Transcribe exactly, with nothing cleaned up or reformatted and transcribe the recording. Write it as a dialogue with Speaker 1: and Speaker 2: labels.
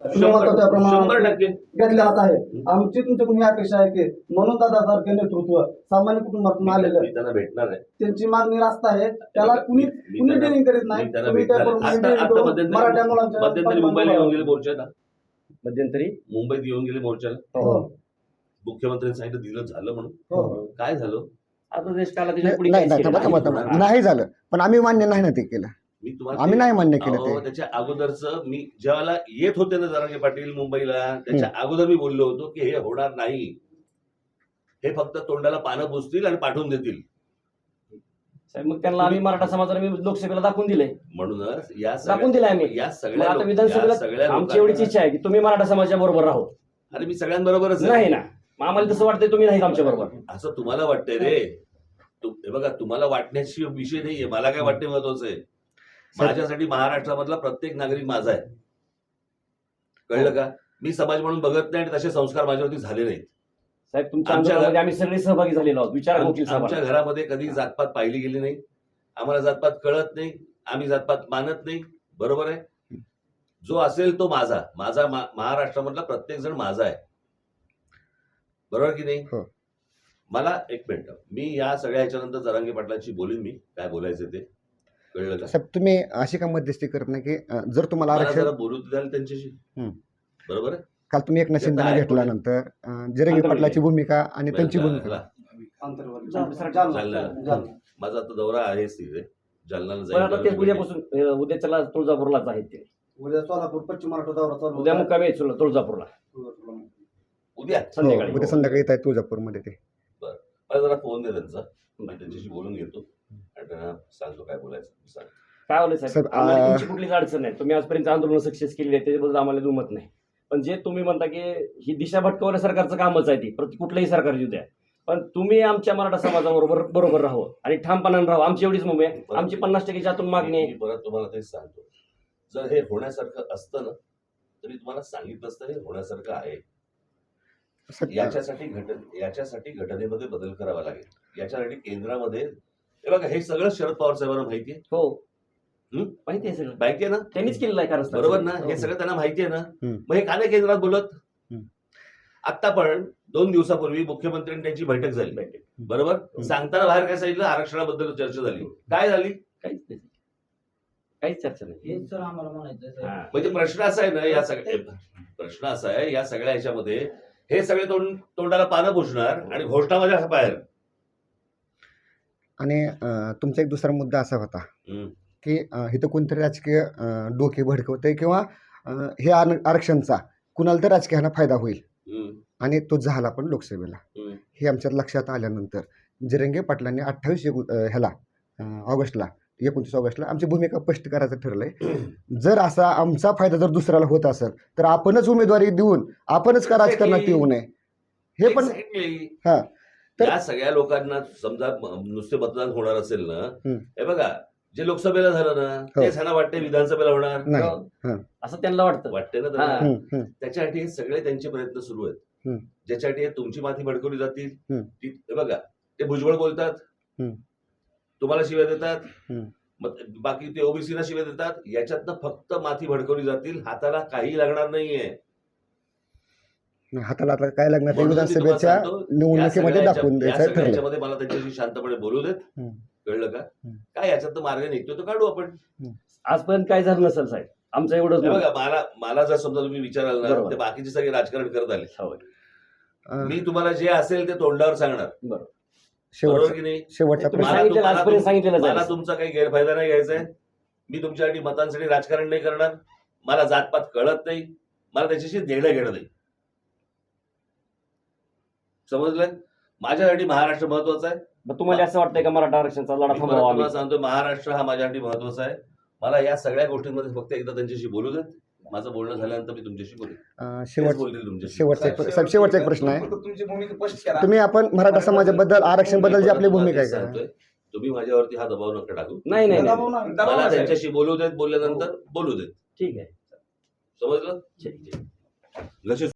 Speaker 1: तुम्ही म्हणता
Speaker 2: शंभर
Speaker 1: त्याप्रमाणे
Speaker 2: टक्के
Speaker 1: घेतले जात आहे. आमची तुमच्याकडून ही अपेक्षा आहे की म्हणून दादासारखे नेतृत्व सामान्य कुटुंबातून आलेलं
Speaker 2: मी त्यांना भेटणार आहे.
Speaker 1: त्यांची मागणी रास्त आहे. त्याला कुणी
Speaker 2: मी
Speaker 1: कुणी
Speaker 2: त्यांना-
Speaker 1: डेअरिंग करीत नाही.
Speaker 2: मी त्यांना
Speaker 1: तुम्ही
Speaker 2: भेटणार आहे.
Speaker 1: त्याप्रमाणे
Speaker 2: आता-
Speaker 1: डेअरिंग
Speaker 2: आता
Speaker 1: करून
Speaker 2: मध्यंतरी
Speaker 1: मराठा मुलांच्या
Speaker 2: मध्यंतरी मुंबईला येऊन गेले
Speaker 1: पाठीमागे
Speaker 2: मोर्चाला.
Speaker 3: मध्यंतरी
Speaker 2: मुंबईत येऊन गेले मोर्चाला.
Speaker 1: हो.
Speaker 2: मुख्यमंत्र्यांनी सांगितलं दिलं झालं म्हणून.
Speaker 1: हो.
Speaker 2: काय झालं?
Speaker 3: आता देश काला त्याच्या पुढे
Speaker 4: नाही
Speaker 3: काहीच
Speaker 4: नाही
Speaker 3: केलं
Speaker 4: थांबा थांबा
Speaker 3: नाही.
Speaker 4: थांबा नाही झालं पण आम्ही मान्य नाही ना ते केलं.
Speaker 2: मी तुम्हाला
Speaker 4: आम्ही नाही मान्य केलं
Speaker 2: अहो,
Speaker 4: ते.
Speaker 2: त्याच्या अगोदरच मी ज्यावेळेला येत होते ना जरांगे पाटील मुंबईला त्याच्या अगोदर मी बोललो होतो की हे होणार नाही. हे फक्त तोंडाला पानं पुसतील आणि पाठवून देतील.
Speaker 3: साहेब, मग त्यांना आम्ही मराठा समाजाला मी लोकसभेला दाखवून दिले
Speaker 2: म्हणूनच या
Speaker 3: दाखवून दिले आम्ही.
Speaker 2: या
Speaker 3: मग
Speaker 2: सगळ्या
Speaker 3: आता
Speaker 2: लोक- या
Speaker 3: विधानसभेला
Speaker 2: सगळ्या
Speaker 3: आमची एवढीच
Speaker 2: लोकांना-
Speaker 3: इच्छा आहे की तुम्ही मराठा समाजाच्या बरोबर राहो.
Speaker 2: अरे मी सगळ्यांबरोबरच आहे.
Speaker 3: नाही ना मग आम्हाला तसं वाटतंय तुम्ही नाही आमच्या बरोबर.
Speaker 2: असं तुम्हाला वाटतंय रे. तु- हे बघा तुम्हाला वाटण्याची विषय नाहीये. मला काय वाटते महत्वाचं आहे. माझ्यासाठी महाराष्ट्रामधला प्रत्येक नागरिक माझा आहे. कळलं का? मी समाज म्हणून बघत नाही आणि तसे संस्कार माझ्यावरती झाले नाहीत.
Speaker 3: साहेब तुमच्या
Speaker 2: आमच्या
Speaker 3: आंदोलनामध्ये आम्ही सगळे सहभागी झालेलो आहोत. विचार
Speaker 2: आम-
Speaker 3: वकील
Speaker 2: आमच्या
Speaker 3: साहेब.
Speaker 2: घरामध्ये कधी जातपात पाहिली गेली नाही. आम्हाला जातपात कळत नाही. आम्ही जातपात मानत नाही. बरोबर आहे. जो असेल तो माझा माझा मा- महाराष्ट्रामधला प्रत्येक जण माझा आहे. बरोबर की नाही?
Speaker 4: हो.
Speaker 2: मला एक मिनिट मी या सगळ्या ह्याच्यानंतर जरांगे पाटलांशी बोलीन. मी काय बोलायचं ते कळलं का?
Speaker 4: साहेब तुम्ही अशी का मध्यस्थी करत नाही की अं, जर तुम्हाला
Speaker 2: मला
Speaker 4: आरक्षण
Speaker 2: जरा बोलू द्याल त्यांच्याशी.
Speaker 4: हम्म.
Speaker 2: बरोबर आहे.
Speaker 4: काल तुम्ही एक शिंदेना
Speaker 2: आहे.
Speaker 4: घेतल्यानंतर अं, जिरंगी
Speaker 3: आंतरवाली.
Speaker 4: पाटलाची भूमिका आणि त्यांची
Speaker 2: ह्याला-
Speaker 4: भूमिका
Speaker 1: आंतरवर्ग.
Speaker 3: जालना.
Speaker 1: जालना. जालना.
Speaker 2: माझा आता दौरा आहेच तिथे जालनाला
Speaker 3: पण आता ते
Speaker 2: जाईल.
Speaker 3: उद्यापासून अं, उद्या चला तुळजापूरलाच आहेत ते.
Speaker 1: उद्या सोलापूर पश्चिम महाराष्ट्र दौरा चालू
Speaker 3: उद्या
Speaker 1: होता.
Speaker 3: मुक्कामी आहेत तुळ- तुळजापूरला
Speaker 2: उद्या
Speaker 4: हो,
Speaker 3: संध्याकाळी.
Speaker 4: उद्या संध्याकाळी येत आहे तुळजापूरमध्ये ते.
Speaker 2: मला जरा फोन दे त्यांचा. मी त्यांच्याशी बोलून घेतो आणि त्यांना सांगतो काय बोलायचं. सांग.
Speaker 3: काय होलं साहेब
Speaker 4: साहेब,
Speaker 3: आम्हाला
Speaker 4: आ-
Speaker 3: तुमची कुठलीच अडचण नाही. तुम्ही आजपर्यंत आंदोलन सक्सेस केली आहे त्याच्याबद्दल आम्हाला दुमत नाही. पण जे तुम्ही म्हणता की ही दिशा भटकवण्या सरकारचं कामच आहे ती प्रति कुठलंही सरकार येऊ द्या पण तुम्ही आमच्या मराठा समाजाबरोबर बरोबर राहू आणि ठामपणाने राहू. आमची एवढीच मुंबई आहे. आमची पन्नास टक्केच्या आतून मागणी आहे.
Speaker 2: मी परत तुम्हाला तेच सांगतो. जर हे होण्यासारखं असतं ना तरी तुम्हाला सांगितलं असतं हे होण्यासारखं आहे.
Speaker 4: साहेब,
Speaker 2: याच्यासाठी घट याच्यासाठी घटनेमध्ये बदल करावा लागेल. याच्यासाठी केंद्रामध्ये हे बघा हे सगळं शरद पवार साहेबांना माहिती आहे.
Speaker 3: हो
Speaker 2: हम्म?
Speaker 3: माहिती आहे सगळं
Speaker 2: माहिती आहे ना?
Speaker 3: त्यांनीच केलेलं आहे कारण
Speaker 2: बरोबर ना? हे सगळं त्यांना माहिती आहे ना?
Speaker 4: हम्म.
Speaker 2: मग हे का नाही केंद्रात बोलत?
Speaker 4: हम्म.
Speaker 2: आता पण दोन दिवसापूर्वी मुख्यमंत्र्यांनी त्यांची बैठक झाली. बरोबर. सांगताना बाहेर काय सांगितलं? आरक्षणाबद्दल चर्चा झाली. काय झाली?
Speaker 3: काहीच नाही काहीच चर्चा नाही.
Speaker 5: हेच तर आम्हाला म्हणायचं
Speaker 3: हा.
Speaker 2: म्हणजे प्रश्न असा आहे ना या सगळ्या प्रश्न असा आहे या सगळ्या ह्याच्यामध्ये हे सगळे तोंड तोंडाला पानं पुसणार आणि घोषणा माझ्या बाहेर.
Speaker 4: आणि अं, तुमचा एक दुसरा मुद्दा असा होता
Speaker 2: हम्म.
Speaker 4: की अं, इथं कोणतरी राजकीय अं, डोके भडकवते किंवा अं, हे आर- आरक्षणचा कुणाला तर राजकीयाला फायदा होईल
Speaker 2: हम्म.
Speaker 4: आणि तो झाला पण लोकसभेला.
Speaker 2: हम्म.
Speaker 4: हे आमच्यात लक्षात आल्यानंतर जिरंगे पाटलांनी अठ्ठावीस एकू अं, ह्याला अं, ऑगस्टला एकोणतीस ऑगस्टला आमची भूमिका स्पष्ट करायचं ठरलंय. जर असा आमचा फायदा जर दुसऱ्याला होत असेल तर आपणच उमेदवारी देऊन आपणच का राजकारणात येऊ नये हे पण
Speaker 2: Exactly.
Speaker 4: हा तर-
Speaker 2: या सगळ्या लोकांना समजा म- नुसते मतदान होणार असेल ना
Speaker 4: हम्म.
Speaker 2: हे बघा जे लोकसभेला झालं ना
Speaker 4: हो.
Speaker 2: तेच ह्यांना वाटते विधानसभेला होणार.
Speaker 4: नाही
Speaker 3: असं त्यांना वाटतं.
Speaker 2: वाटते ना
Speaker 3: हा.
Speaker 2: त्यांना.
Speaker 4: हम्म, हम्म,
Speaker 2: त्याच्यासाठी हे सगळे त्यांचे प्रयत्न सुरू आहेत.
Speaker 4: हम्म.
Speaker 2: ज्याच्यासाठी हे तुमची माती भडकवली जातील.
Speaker 4: हम्म.
Speaker 2: ती हे बघा ते भुजबळ बोलतात.
Speaker 4: हम्म.
Speaker 2: तुम्हाला शिव्या देतात.
Speaker 4: हम्म.
Speaker 2: मग बाकी ते ओबीसीला शिव्या देतात. याच्यातनं फक्त माती भडकवली जातील. हाताला काही लागणार नाहीये.
Speaker 4: नाही, हाताला आता काय लागणार ते
Speaker 2: म्हणून मी तुम्हाला
Speaker 4: विधानसभेच्या
Speaker 2: सांगतो, या
Speaker 4: निवडणुकीमध्ये
Speaker 2: सगळ्या
Speaker 4: दाखवून
Speaker 2: याच्या- या
Speaker 4: द्यायचं
Speaker 2: सगळ्या
Speaker 4: ठरलं.
Speaker 2: याच्यामध्ये मला त्यांच्याशी शांतपणे बोलू देत.
Speaker 4: हम्म.
Speaker 2: कळलं का?
Speaker 4: हम्म.
Speaker 2: काय याच्यात मार्ग निघतो तो काढू आपण.
Speaker 3: आजपर्यंत काय झालं नसेल साहेब आमचं एवढंच
Speaker 2: हे
Speaker 3: मत.
Speaker 2: बघा मला मला जर समजा तुम्ही विचाराल ना
Speaker 3: बरोबर.
Speaker 2: ते बाकीचे सगळे राजकारण करत आले.
Speaker 3: हो.
Speaker 4: अं,
Speaker 2: मी तुम्हाला जे असेल ते तोंडावर सांगणार.
Speaker 3: बरोबर.
Speaker 2: बरोबर
Speaker 4: शेवटचा
Speaker 2: की नाही?
Speaker 4: शेवटचा
Speaker 3: तुम्ही
Speaker 4: प्रश्न
Speaker 2: मला
Speaker 3: सांगितलेलं
Speaker 2: तुम्हाला-
Speaker 3: आजपर्यंत सांगितलेलं
Speaker 2: मला
Speaker 3: जाईल.
Speaker 2: तुमचा काही गैरफायदा नाही घ्यायचा आहे. मी तुमच्यासाठी मतांसाठी राजकारण नाही करणार. मला जातपात कळत नाही. मला त्याच्याशी देणं घेणं नाही. समजलं? माझ्यासाठी महाराष्ट्र महत्वाचा आहे.
Speaker 3: मग तुम्हाला असं वाटतंय का मराठा आरक्षणाचा लढा
Speaker 2: मी परत
Speaker 3: थांबवा आम्ही?
Speaker 2: तुम्हाला सांगतो महाराष्ट्र हा माझ्यासाठी महत्वाचा आहे. मला या सगळ्या गोष्टींमध्ये फक्त एकदा त्यांच्याशी बोलू देत. माझं बोलणं झाल्यानंतर मी तुमच्याशी बोलेन.
Speaker 4: अं,
Speaker 2: तेच
Speaker 4: शेवट
Speaker 2: बोलतील तुमच्याशी.
Speaker 4: शेवटचा एक साहेब, शेवटचा एक प्रश्न आहे.
Speaker 5: तुमची भूमिका स्पष्ट करा.
Speaker 4: तुम्ही आपण मराठा समाजाबद्दल आरक्षण बद्दल जी आपली भूमिका आहे का
Speaker 2: सांगतोय, तुम्ही माझ्यावरती हा दबाव नका टाकू.
Speaker 3: नाही नाही नाही.
Speaker 1: दबाव नाही.
Speaker 5: दबाव
Speaker 2: मला
Speaker 5: नसेल.
Speaker 2: त्यांच्याशी बोलू देत. बोलल्यानंतर बोलू देत.
Speaker 3: ठीक आहे.
Speaker 2: समजलं?
Speaker 3: ठीक आहे.
Speaker 2: लक्ष